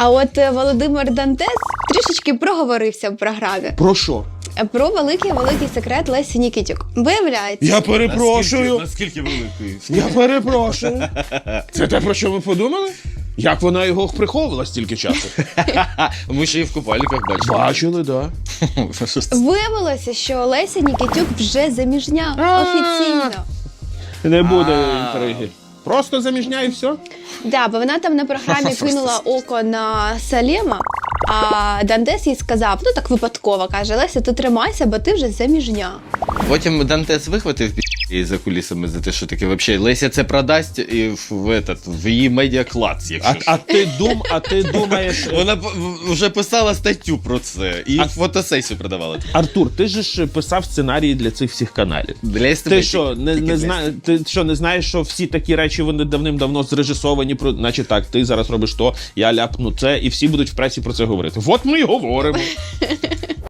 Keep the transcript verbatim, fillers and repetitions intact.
А от е, Володимир Дантес трішечки проговорився в програмі. Про що? Про великий-великий секрет Лесі Нікітюк. Виявляється. Я перепрошую. Наскільки, наскільки великий? Я перепрошую. Це те, про що ви подумали? Як вона його приховувала стільки часу? Ми ще і в купальниках бачили. Бачили, так. Да. Виявилося, що Леся Нікітюк вже заміжня. Офіційно. Не буде А. інтриги. Просто заміжня і все. Да, бо вона там на програмі кинула око на Салема, а Дантес їй сказав, ну так випадково, каже, Леся, ти тримайся, бо ти вже заміжня. Потім Дантес вихватив пі***і за кулісами за те, що таке вообще Леся це продасть і в, в, этот, в її медіаклад, якщо А, що. а ти дум, а ти думаєш, Вона п- в- вже писала статтю про це і А- фотосесію продавала. Артур, ти же ж писав сценарії для цих всіх каналів. Для ес те Ти бе що, не, тільки не для зна... ти що, не знаєш, що всі такі речі вони давним-давно зрежисовані, про... значить так, ти зараз робиш то, я ляпну це, і всі будуть в пресі про це говорити. От ми й говоримо.